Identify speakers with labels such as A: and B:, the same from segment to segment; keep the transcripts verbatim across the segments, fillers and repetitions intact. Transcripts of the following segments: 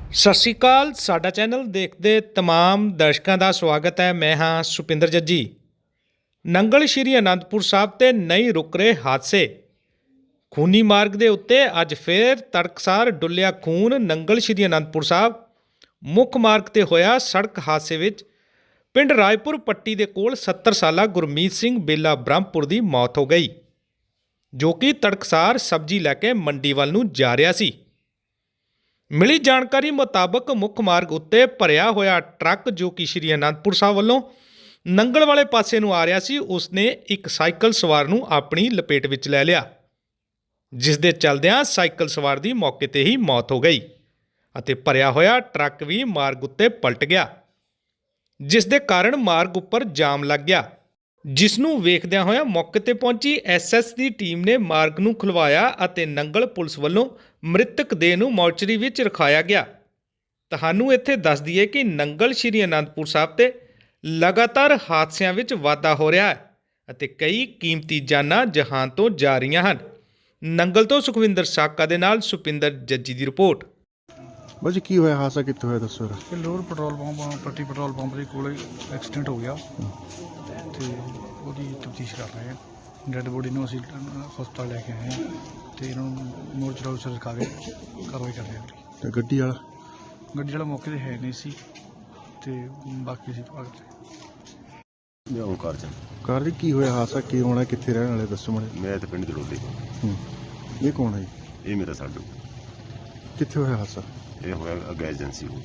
A: ਸਤਿ ਸ਼੍ਰੀ ਅਕਾਲ। ਸਾਡਾ ਚੈਨਲ ਦੇਖਦੇ ਤਮਾਮ ਦਰਸ਼ਕਾਂ ਦਾ ਸਵਾਗਤ ਹੈ। ਮੈਂ ਹਾਂ ਸੁਪਿੰਦਰ ਜੱਜੀ। ਨੰਗਲ ਸ਼੍ਰੀ ਅਨੰਦਪੁਰ ਸਾਹਿਬ ਤੇ ਨਹੀਂ ਰੁਕ ਰਹੇ ਹਾਦਸੇ। ਖੂਨੀ ਮਾਰਗ ਦੇ ਉੱਤੇ ਅੱਜ ਫੇਰ ਤੜਕਸਾਰ ਡੁੱਲਿਆ ਖੂਨ। ਨੰਗਲ ਸ਼੍ਰੀ ਅਨੰਦਪੁਰ ਸਾਹਿਬ ਮੁੱਖ ਮਾਰਗ ਤੇ ਹੋਇਆ ਸੜਕ ਹਾਦਸੇ ਵਿੱਚ ਪਿੰਡ ਰਾਏਪੁਰ ਪੱਟੀ ਦੇ ਕੋਲ ਸੱਤਰ ਸਾਲਾ ਗੁਰਮੀਤ ਸਿੰਘ ਬੇਲਾ ਬ੍ਰਹਮਪੁਰ ਦੀ ਮੌਤ ਹੋ ਗਈ, ਜੋ ਕਿ ਤੜਕਸਾਰ ਸਬਜ਼ੀ ਲੈ ਕੇ ਮੰਡੀ ਵੱਲ ਨੂੰ ਜਾ ਰਿਹਾ ਸੀ। ਮਿਲੀ ਜਾਣਕਾਰੀ ਮੁਤਾਬਕ ਮੁੱਖ ਮਾਰਗ ਉੱਤੇ ਭਰਿਆ ਹੋਇਆ ਟਰੱਕ ਜੋ ਕਿ ਸ਼੍ਰੀ ਅਨੰਦਪੁਰ ਸਾਹਿਬ ਵੱਲੋਂ ਨੰਗਲ ਵਾਲੇ ਪਾਸੇ ਨੂੰ ਆ ਰਿਹਾ ਸੀ, ਉਸਨੇ ਇੱਕ ਸਾਈਕਲ ਸਵਾਰ ਨੂੰ ਆਪਣੀ ਲਪੇਟ ਵਿੱਚ ਲੈ ਲਿਆ, ਜਿਸ ਦੇ ਚਲਦਿਆਂ ਸਾਈਕਲ ਸਵਾਰ ਦੀ ਮੌਕੇ ਤੇ ਹੀ ਮੌਤ ਹੋ ਗਈ ਅਤੇ ਭਰਿਆ ਹੋਇਆ ਟਰੱਕ ਵੀ ਮਾਰਗ ਉੱਤੇ ਪਲਟ ਗਿਆ, ਜਿਸ ਦੇ ਕਾਰਨ ਮਾਰਗ ਉੱਪਰ ਜਾਮ ਲੱਗ ਗਿਆ। ਜਿਸ ਨੂੰ ਵੇਖਦਿਆਂ ਹੋਇਆ ਮੌਕੇ ਤੇ ਪਹੁੰਚੀ ਐਸ ਐਸ ਦੀ ਟੀਮ ਨੇ ਮਾਰਗ ਨੂੰ ਖੁਲਵਾਇਆ ਅਤੇ ਨੰਗਲ ਪੁਲਿਸ ਵੱਲੋਂ ਮ੍ਰਿਤਕ ਦੇਹ ਨੂੰ ਮੋਰਚਰੀ ਵਿੱਚ ਰਖਾਇਆ ਗਿਆ। ਤੁਹਾਨੂੰ ਇੱਥੇ ਦੱਸ ਦਈਏ ਕਿ ਨੰਗਲ ਸ਼੍ਰੀ ਅਨੰਦਪੁਰ ਸਾਹਿਬ ਤੇ ਲਗਾਤਾਰ ਹਾਦਸਿਆਂ ਵਿੱਚ ਵਾਧਾ ਹੋ ਰਿਹਾ ਹੈ ਅਤੇ ਕਈ ਕੀਮਤੀ ਜਾਨਾਂ ਜਹਾਨ ਤੋਂ ਜਾ ਰਹੀਆਂ ਹਨ। ਨੰਗਲ ਤੋਂ ਸੁਖਵਿੰਦਰ ਸਾਕਾ ਦੇ ਨਾਲ ਸੁਪਿੰਦਰ ਜੱਜੀ ਦੀ ਰਿਪੋਰਟ।
B: ਬਾਜੀ ਕੀ ਹੋਇਆ, ਹਾਦਸਾ ਕਿੱਥੇ ਹੋਇਆ ਦੱਸੋ।
C: ਇਹ ਲੋਰ petrol pump Patti petrol pump ਦੇ ਕੋਲ ਐਕਸੀਡੈਂਟ ਹੋ ਗਿਆ ਤੇ ਉਹਦੀ ਤਫਤੀਸ਼ ਕਰ ਰਹੇ ਹਾਂ। ਡੈੱਡ ਬੋਡੀ ਨੂੰ ਅਸੀਂ ਹਸਪਤਾਲ ਲੈ ਕੇ ਆਏ ਹਾਂ ਤੇ ਇਹਨਾਂ ਨੂੰ ਮੋਰਚਰੀ ਵਿੱਚ ਰਖਾ ਕੇ ਕਾਰਵਾਈ ਕਰ ਰਹੇ ਹਾਂ।
B: ਤੇ ਗੱਡੀ ਵਾਲਾ
C: ਗੱਡੀ ਵਾਲਾ ਮੌਕੇ ਤੇ ਹੈ ਨਹੀਂ ਸੀ ਤੇ ਬਾਕੀ ਸੀ ਭਾਗ ਤੇ
D: ਮੈਂ ਓਂਕਾਰ ਚੰਦ।
B: ਕਾਰ ਜੀ ਕੀ ਹੋਇਆ ਹਾਦਸਾ, ਕੀ ਹੋਣਾ, ਕਿੱਥੇ ਰਹਿਣ ਵਾਲੇ ਦੱਸੋ ਮਾੜੇ।
D: ਮੈਂ ਤਾਂ ਪਿੰਡ ਜੜੋਲੀ।
B: ਹੂੰ ਇਹ ਕੌਣ ਹੈ ਜੀ?
D: ਇਹ ਮੇਰਾ ਸਾਡੂ।
B: ਕਿੱਥੇ ਹੋਇਆ ਹਾਦਸਾ?
D: ਇਹ ਹੋਇਆ ਅੱਗੇ ਏਜੰਸੀ ਹੋ।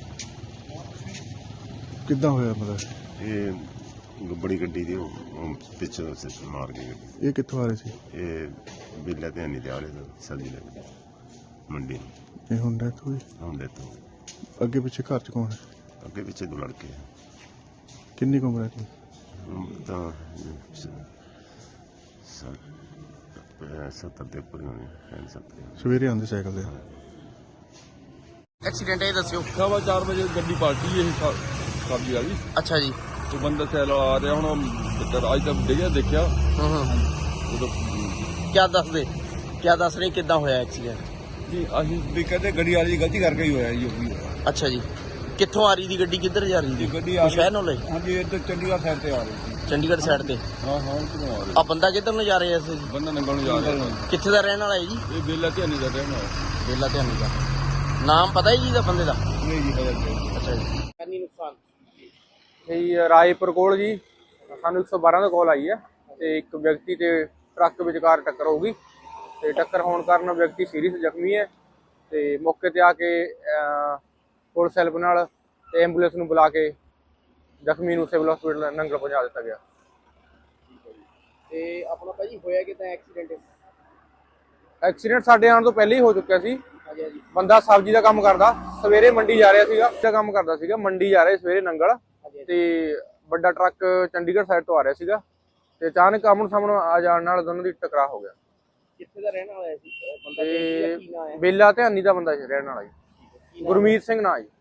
B: ਕਿੱਦਾਂ ਹੋਇਆ ਮਤਲਬ?
D: ਇਹ ਬੜੀ ਗੱਡੀ ਦੀ ਉਹ ਪਿੱਛੋਂ ਮਾਰ ਗਈ ਗੱਡੀ।
B: ਇਹ ਕਿੱਥੋਂ ਆ ਰਹੇ ਸੀ?
D: ਇਹ ਬਿੱਲਾ ਤੇ ਨਹੀਂ ਦਿਆ ਰਹੇ ਸਬਜ਼ੀ ਲੈ ਕੇ ਮੰਡੀ ਨੂੰ।
B: ਇਹ ਹੁਣ ਡੈਥ ਹੋਈ?
D: ਹੁਣ ਦੇ ਤੋਂ
B: ਅੱਗੇ ਪਿੱਛੇ ਘਰ ਚ ਕੌਣ ਹੈ?
D: ਅੱਗੇ ਪਿੱਛੇ ਦੋ ਲੜਕੇ ਆ।
B: ਕਿੰਨੀ ਕੁ ਉਮਰ ਹੈ ਜੀ?
D: ਉਮਰ ਤਾਂ ਸੱਤਰ ਦੇ ਉੱਪਰ ਹੋਣੀ ਹੈ। ਸੱਤਰ
B: ਸਵੇਰੇ ਆਉਂਦੇ ਸਾਈਕਲ ਤੇ।
E: एक्सीडेंट है दस्यो।
F: सवा चार बजे गड्डी पार्टी है सब्जी वाली।
E: अच्छा जी।
F: तो बंदा सैल आ रहा हूँ अज तक डिग्या देखा।
E: क्या दस दे क्या दस रहे किदा होया एक्सीडेंट?
F: जी असीं भी कहते गड्डी वाली गलती करके ही होया जी।
E: अच्छा जी। कित्थों आ रही थी गड्डी, किधर जा रही थी?
F: गड्डी
E: शहर नो ले?
F: हाँ जी इधर चंडीगढ़ साइड से आ रही थी।
E: चंडीगढ़ साइड से?
F: हाँ हाँ किधरों आ रही।
E: आ बंदा किधर नु जा रहे हैं?
F: बंदा नंगल जा रहा है।
E: कित्थे दा रहने वाला है जी?
F: ये बेला ध्यानी का रहना है।
E: बेला ध्यानी का नाम पता है जी दा बंदे दा?
F: नहीं जी पता।
E: अच्छा जी।
G: ਕਿੰਨੀ ਨੁਕਸਾਨ ਜੀ? ਰਾਏਪੁਰ ਕੋਲ ਜੀ ਸਾਨੂੰ ਇੱਕ ਸੌ ਬਾਰਾਂ ਦਾ ਕਾਲ ਆਈ ਹੈ ਤੇ ਇੱਕ ਵਿਅਕਤੀ ਤੇ ਟਰੱਕ ਵਿਚਕਾਰ ਟੱਕਰ ਹੋ ਗਈ ਤੇ ਟੱਕਰ ਹੋਣ ਕਾਰਨ ਵਿਅਕਤੀ ਸੀਰੀਅਸ ਜ਼ਖਮੀ ਹੈ ਤੇ ਮੌਕੇ ਤੇ ਆ ਕੇ ਪੁਲਿਸ ਹੈਲਪ ਨਾਲ ਤੇ ਐਂਬੂਲੈਂਸ ਨੂੰ ਬੁਲਾ ਕੇ ਜ਼ਖਮੀ ਨੂੰ ਸਿਵਲ ਹਸਪੀਟਲ ਨੰਗਲ ਪਹੁੰਚਾ ਦਿੱਤਾ ਗਿਆ।
E: ਤੇ ਆਪਣਾ ਭਾਜੀ ਹੋਇਆ ਕਿਦਾਂ ਐਕਸੀਡੈਂਟ?
G: ਐਕਸੀਡੈਂਟ ਸਾਡੇ ਆਉਣ ਤੋਂ ਪਹਿਲਾਂ ਹੀ ਹੋ ਚੁੱਕਿਆ ਸੀ। ਬੰਦਾ ਸਬਜ਼ੀ ਦਾ ਕੰਮ ਕਰਦਾ, ਸਵੇਰੇ ਮੰਡੀ ਜਾ ਰਿਹਾ ਸੀਗਾ ਦਾ ਕੰਮ ਕਰਦਾ ਸੀਗਾ ਮੰਡੀ ਜਾ ਰਿਹਾ ਸਵੇਰੇ ਨੰਗਲ ਤੇ ਵੱਡਾ ਟਰੱਕ ਚੰਡੀਗੜ੍ਹ ਸਾਈਡ ਤੋਂ ਆ ਰਿਹਾ ਸੀਗਾ ਤੇ ਅਚਾਨਕ ਆਮਣ ਸਾਹਮਣੇ ਆ ਜਾਣ ਨਾਲ ਦੋਨਾਂ ਦੀ ਟਕਰਾਅ ਹੋ ਗਿਆ।
E: ਕਿੱਥੇ ਦਾ ਰਹਿਣ ਵਾਲਾ ਸੀ ਬੰਦਾ?
G: ਤੇ ਬੇਲਾ ਧਿਆਨੀ ਦਾ ਬੰਦਾ ਸੀ ਰਹਿਣ ਵਾਲਾ ਜੀ, ਗੁਰਮੀਤ ਸਿੰਘ ਨਾਂ ਜੀ।